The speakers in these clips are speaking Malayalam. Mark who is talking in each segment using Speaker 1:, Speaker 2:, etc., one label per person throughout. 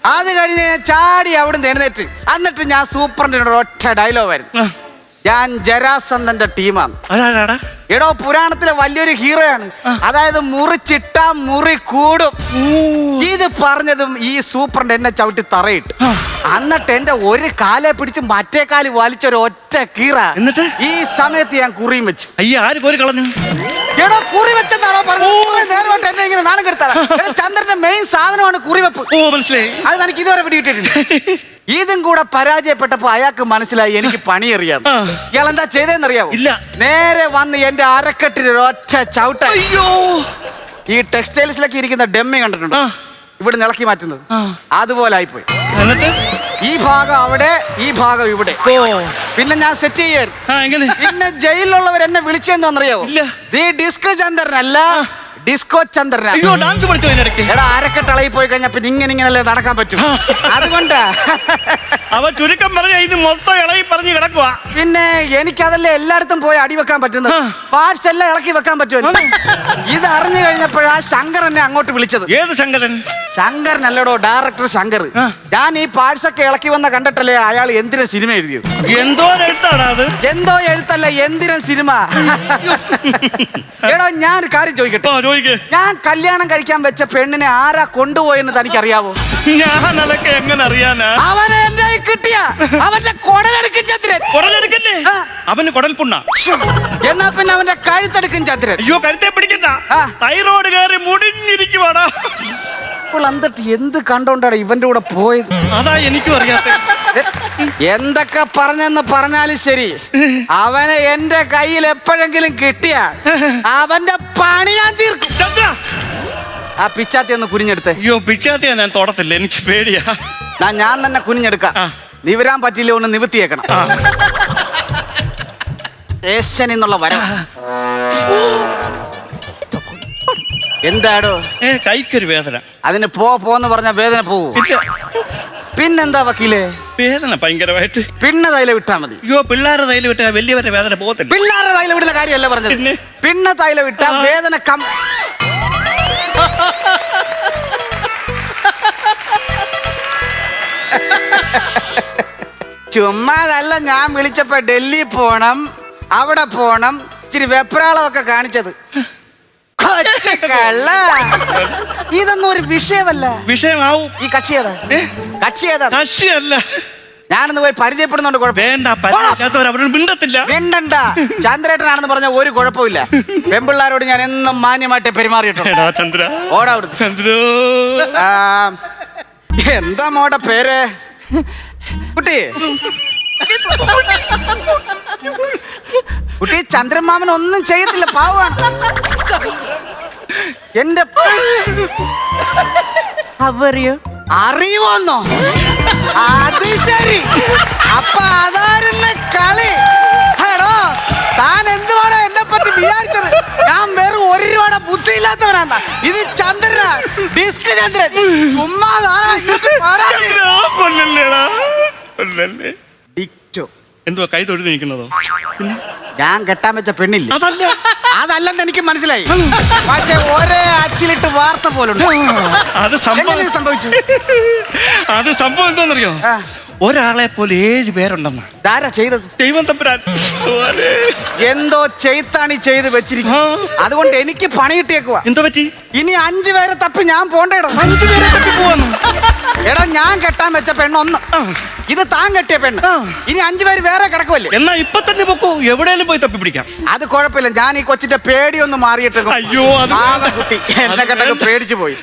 Speaker 1: അത് കഴിഞ്ഞ് ഞാൻ ചാടി അവിടുന്ന് എഴുന്നേറ്റ്. എന്നിട്ട് ഞാൻ സൂപ്പറിന്റെ ഒറ്റ ഡയലോഗ് ആയിരുന്നു, ഞാൻ ജരാസന്ധന്റെ ടീമാണ്. എടോ, പുരാണത്തിലെ വലിയൊരു ഹീറോയാണ്. അതായത് മുറിച്ചിട്ട മുറി കൂടും. ഇത് പറഞ്ഞതും ഈ സൂപ്പറിന്റെ എന്നെ ചവിട്ടി തറയിട്ട്. എന്നിട്ട് എന്റെ ഒരു കാലെ പിടിച്ച് മറ്റേ കാല് വലിച്ചൊരു ഒറ്റ കീറ. എന്നിട്ട് ഈ സമയത്ത് ഞാൻ കുറിയും വെച്ചു. എടോ, കുറി വെച്ചെന്നാണോ പറഞ്ഞത്? നേരമായിട്ട് എന്നെ ഇങ്ങനെ നാണം കെടുത്താ. ചന്ദ്രന്റെ മെയിൻ സാധനമാണ് കുറിവെപ്പ്. അത് എനിക്ക് ഇതുവരെ പിടികിട്ടിട്ടില്ല. ഇതും കൂടെ പരാജയപ്പെട്ടപ്പോ അയാൾക്ക് മനസ്സിലായി എനിക്ക് പണിയറിയാം. ഇയാൾ എന്താ ചെയ്തതെന്നറിയാവോ? ഇല്ല. നേരെ വന്ന് എന്റെ അരക്കെട്ടിൽ ഒറ്റ ചവിട്ട. ഈ ടെക്സ്റ്റൈൽസിലൊക്കെ ഇരിക്കുന്ന ഡെമ്മി കണ്ടിട്ടുണ്ടോ? ഇവിടെ ഇളക്കി മാറ്റുന്നത് അതുപോലെ ആയിപ്പോയി. ഈ ഭാഗം അവിടെ, ഈ ഭാഗം ഇവിടെ. പിന്നെ ഞാൻ സെറ്റ് ചെയ്യായിരുന്നു. പിന്നെ ജയിലിലുള്ളവർ എന്നെ വിളിച്ചെന്നറിയാവോ? ഡിസ്കോ ചന്ദ്രനല്ല, ഡിസ്കോ ചന്ദ്രൻ. എടാ, അരക്കെട്ടളയിൽ പോയി കഴിഞ്ഞാൽ പിന്നെ ഇങ്ങനെയല്ലേ നടക്കാൻ പറ്റും. അതുകൊണ്ടാ
Speaker 2: അവ ചുരുക്കം പറഞ്ഞ ഇത് മൊത്തം ഇളകി പറഞ്ഞു കിടക്കുക.
Speaker 1: പിന്നെ എനിക്കതല്ലേ എല്ലായിടത്തും പോയി അടി വെക്കാൻ പറ്റുന്നത്. പാർട്സ് എല്ലാം ഇളക്കി വെക്കാൻ പറ്റുമല്ലോ. ഇത് അറിഞ്ഞു കഴിഞ്ഞപ്പോഴാ ശങ്കർ എന്നെ അങ്ങോട്ട് വിളിച്ചത്.
Speaker 2: ഏത് ശങ്കരൻ?
Speaker 1: ശങ്കരനല്ലടോ, ഡയറക്ടർ ശങ്കർ. ഞാൻ ഈ പാർട്സ് ഒക്കെ ഇളക്കി വന്ന കണ്ടിട്ടല്ലേ അയാൾ എന്തിനും സിനിമ എഴുതിയത്.
Speaker 2: എന്തോ എഴുത്താണ് അത്?
Speaker 1: എന്തോ എഴുത്തല്ല, എന്തിനും സിനിമ. എടോ, ഞാൻ ഒരു കാര്യം ചോദിക്കട്ടെ. ഞാൻ കല്യാണം കഴിക്കാൻ വെച്ച പെണ്ണിനെ ആരാ കൊണ്ടുപോയെന്ന് തനിക്കറിയാവോ?
Speaker 2: ഞാൻ അതൊക്കെ എങ്ങനെ അറിയാനാ?
Speaker 1: അവനെ എന്റെ കിട്ടിയ അവന്റെ കൊടലെടുക്കും ചന്ദ്രൻ.
Speaker 2: കൊടലെടുക്കല്ലേ? അവന് കൊടൽപുണ്ണ.
Speaker 1: എന്നാ പിന്നെ അവന്റെ കഴുത്തെടുക്കും ചന്ദ്രൻ.
Speaker 2: അയ്യോ, കഴുത്തെ പിടിക്കണ്ട. തൈറോയ്ഡ് കയറി മുടിഞ്ഞിരിക്കുവാടാ.
Speaker 1: എന്നിട്ട് എന്ത് കണ്ടോണ്ടാണ് ഇവന്റെ കൂടെ പോയത്?
Speaker 2: അതാ എനിക്കും അറിയാത്ത.
Speaker 1: എന്തൊക്കെ പറഞ്ഞെന്ന് പറഞ്ഞാലും ശരി, അവനെ എന്റെ കയ്യിൽ എപ്പോഴെങ്കിലും കിട്ടിയ അവന്റെ പണി ഞാൻ തീർക്കും. ആ പിച്ചാത്തി ഒന്ന് കുനിഞ്ഞെടുത്തേ.
Speaker 2: അയ്യോ, പിച്ചാത്തിയാ ഞാൻ തൊടത്തില്ല, എനിക്ക് പേടിയാ.
Speaker 1: ഞാൻ തന്നെ കുനിഞ്ഞെടുക്കാം. നിവരാൻ പറ്റില്ല, ഒന്ന് നിവൃത്തിയേക്കണം. ഏഷ്യൻ എന്നുള്ള വരം. എന്താടോ?
Speaker 2: കൈക്കൊരു വേദന.
Speaker 1: അതിന് പോന്ന് പറഞ്ഞ വേദന പോവൂ. പിന്നെന്താ വക്കീലേ?
Speaker 2: വേദന ഭയങ്കരമായിട്ട്.
Speaker 1: പിന്നെ തൈലം വിട്ടാ മതി.
Speaker 2: അയ്യോ, പിള്ളേരെ തൈലം വിട്ടാ വലിയവരെ വേദന പോകത്തില്ല.
Speaker 1: പിള്ളേരെ തൈലം വിടുന്ന കാര്യമല്ല പറഞ്ഞത്. പിന്നെ തൈലം വിട്ടാ വേദന ചുമ്മാതല്ല ഞാൻ വിളിച്ചപ്പോ ഡൽഹി പോണം, അവിടെ പോണം, ഇച്ചിരി വെപ്രാളമൊക്കെ കാണിച്ചത്. ഇതൊന്നും ഒരു വിഷയമല്ല.
Speaker 2: വിഷയമാവും.
Speaker 1: ഈ കക്ഷി ഏതാ?
Speaker 2: കക്ഷിയല്ല.
Speaker 1: ഞാനൊന്ന് പോയി പരിചയപ്പെടുന്നുണ്ട്. മിണ്ടണ്ട. ചന്ദ്രേട്ടനാണെന്ന് പറഞ്ഞ ഒരു കുഴപ്പമില്ല. പെൺപിള്ളാരോട് ഞാൻ എന്നും മാന്യമായിട്ട് പെരുമാറിയിട്ടുണ്ട്. ഓടാ. എന്താ മോടെ പേര്? കുട്ടി കുട്ടി ചന്ദ്രമാമൻ ഒന്നും ചെയ്യത്തില്ല, പാവാണ്. എന്റെ അറിയുമോന്നോ? അത് ശരി. അപ്പൊ അതായിരുന്നു കളി. ഹലോ, താൻ എന്തുവാണോ എന്നെ പറ്റി വിചാരിച്ചത്? ഞാൻ വെറും 1 രൂപയുടെ ബുദ്ധിയില്ലാത്തവനാ. ഇത് ചന്ദ്രനാ, ഡിസ്ക് ചന്ദ്രൻ. ചുമ്മാ
Speaker 2: എന്തുവാ കൈ തൊഴുതി നിൽക്കുന്നതോ?
Speaker 1: ഞാൻ കെട്ടാൻ വെച്ച പെണ്ണില്ല. അതല്ലെന്ന് എനിക്ക് മനസ്സിലായി. പക്ഷെ ഒരേ അച്ചിലിട്ട് വാർത്ത പോലുണ്ട്.
Speaker 2: അത്
Speaker 1: സംഭവിച്ചു.
Speaker 2: അത് സംഭവം എന്താണെന്നറിയോ? ഒരാളെ പോലെ 7 പേരുണ്ടെന്ന്.
Speaker 1: ധാരാ ചെയ്തത്?
Speaker 2: ദൈവം തമ്പുരാൻ.
Speaker 1: എന്തോ ചെയ്ത്താണി ചെയ്ത് വെച്ചിരിക്കുന്നു. അതുകൊണ്ട് എനിക്ക് പണി കിട്ടിയേക്കുവാ.
Speaker 2: എന്തോ പറ്റി?
Speaker 1: ഇനി 5 പേരെ തപ്പി ഞാൻ പോണ്ടേടോ.
Speaker 2: 5 പേരെ തപ്പി പോവാന്ന്?
Speaker 1: എടാ, ഞാൻ കെട്ടാൻ വെച്ച പെണ്ണൊന്ന്, ഇത് താൻ കെട്ടിയ പെണ്ണ്. ഇനി 5 പേര് വേറെ കിടക്കുമല്ലേ?
Speaker 2: എന്നാ ഇപ്പൊ തന്നെ പൊക്കോ, എവിടെയെങ്കിലും പോയി തപ്പി പിടിക്കാം.
Speaker 1: അത് കുഴപ്പമില്ല. ഞാൻ ഈ കൊച്ചിന്റെ പേടിയൊന്നും മാറിയിട്ട്.
Speaker 2: അയ്യോ,
Speaker 1: കുട്ടി എന്നെ കണ്ടൊക്കെ പേടിച്ചു പോയി.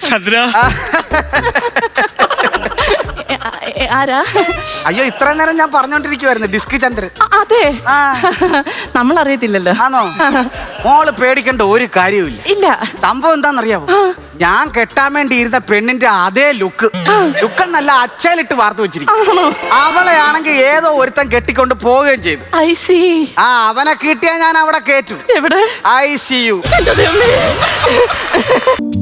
Speaker 3: ആരാ?
Speaker 1: അയ്യോ, ഇത്ര നേരം ഞാൻ പറഞ്ഞോണ്ടിരിക്കുവായിരുന്നു ഡിസ്ക് ചന്ദ്രൻ.
Speaker 3: അതെ, നമ്മൾ അറിയത്തില്ലല്ലോ.
Speaker 1: ആണോ? മോള് പേടിക്കേണ്ട ഒരു കാര്യമില്ല.
Speaker 3: ഇല്ല.
Speaker 1: സംഭവം എന്താണെന്നറിയാവോ? ഞാൻ കെട്ടാൻ വേണ്ടി ഇരുന്ന പെണ്ണിന്റെ അതേ ലുക്കെന്നല്ല, അച്ചയിലിട്ട് വാർത്ത വെച്ചിരിക്കും. അവളെ ആണെങ്കിൽ ഏതോ ഒരുത്തൻ കെട്ടിക്കൊണ്ട് പോവുകയും ചെയ്തു.
Speaker 3: അവനെ
Speaker 1: കിട്ടിയാ ഞാൻ അവിടെ കേറ്റു.
Speaker 3: എവിടെ?
Speaker 1: ICU.